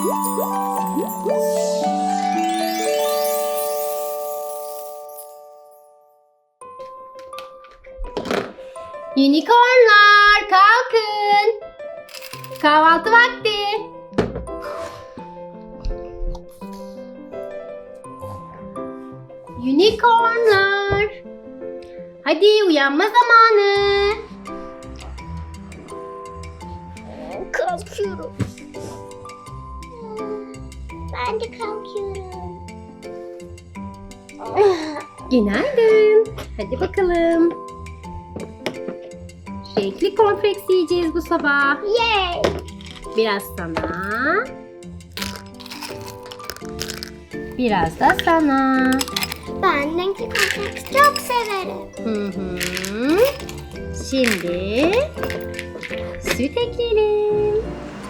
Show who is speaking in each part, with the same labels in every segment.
Speaker 1: Unicornlar kalkın. Kahvaltı vakti. Unicornlar. Hadi uyanma zamanı.
Speaker 2: Kalkıyorum. Ben de kalkıyorum.
Speaker 1: Günaydın. Hadi bakalım. Renkli cornflakes yiyeceğiz bu sabah.
Speaker 2: Yay!
Speaker 1: Biraz sana. Biraz da sana.
Speaker 2: Ben renkli kompleks çok severim.
Speaker 1: Hı hı. Şimdi süt ekleyelim.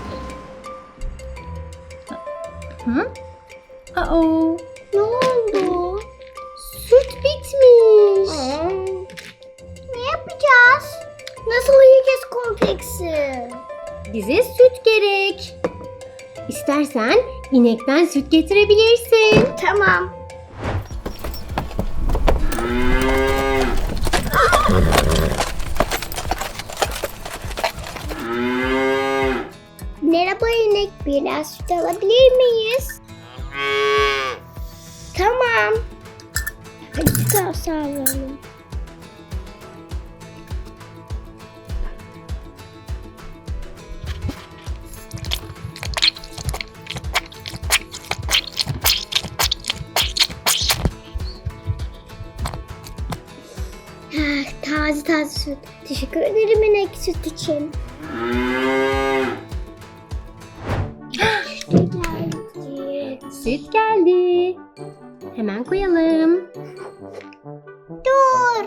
Speaker 1: Hı? Uh-oh.
Speaker 2: Ne oldu?
Speaker 1: Süt bitmiş.
Speaker 2: Ne yapacağız? Nasıl yiyeceğiz kompleksi?
Speaker 1: Bize süt gerek. İstersen inekten süt getirebilirsin.
Speaker 2: Tamam. Merhaba inek, biraz süt alabilir miyiz? Tamam. Hadi sağlayalım. Taze taze süt. Teşekkür ederim inek süt için.
Speaker 1: Süt geldi. Hemen koyalım.
Speaker 2: Dur.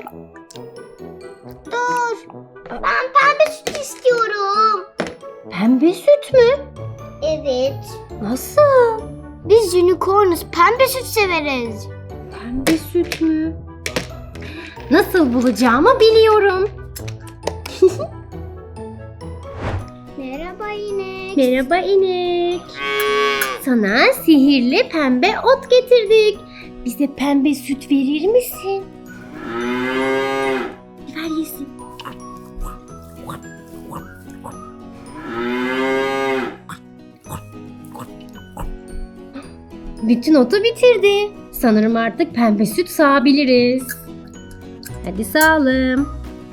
Speaker 2: Dur. Ben pembe süt istiyorum.
Speaker 1: Pembe süt mü?
Speaker 2: Evet.
Speaker 1: Nasıl?
Speaker 2: Biz unicornuz. Pembe süt severiz.
Speaker 1: Pembe süt mü? Nasıl bulacağımı biliyorum.
Speaker 2: Merhaba inek.
Speaker 1: Merhaba inek. Sana sihirli pembe ot getirdik. Bize pembe süt verir misin? Ver yesin. Bütün otu bitirdi. Sanırım artık pembe süt sağabiliriz. Hadi sağalım.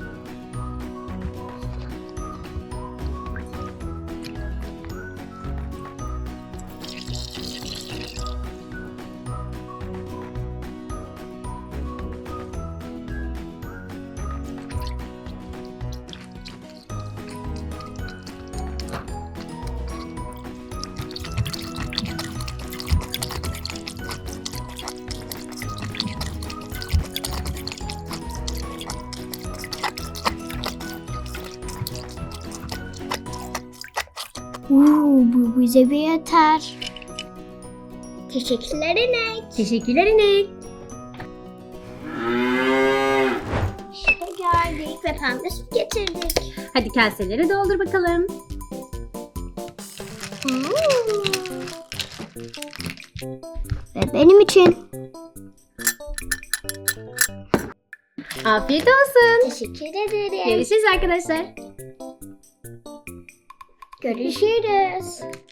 Speaker 2: Bu bize bir yeter. Teşekkürler inek.
Speaker 1: Teşekkürler inek.
Speaker 2: İşte geldik ve pembe süt getirdik.
Speaker 1: Hadi kaseleri doldur bakalım.
Speaker 2: Ve benim için.
Speaker 1: Afiyet olsun.
Speaker 2: Teşekkür ederim.
Speaker 1: Görüşürüz arkadaşlar.
Speaker 2: Görüşürüz.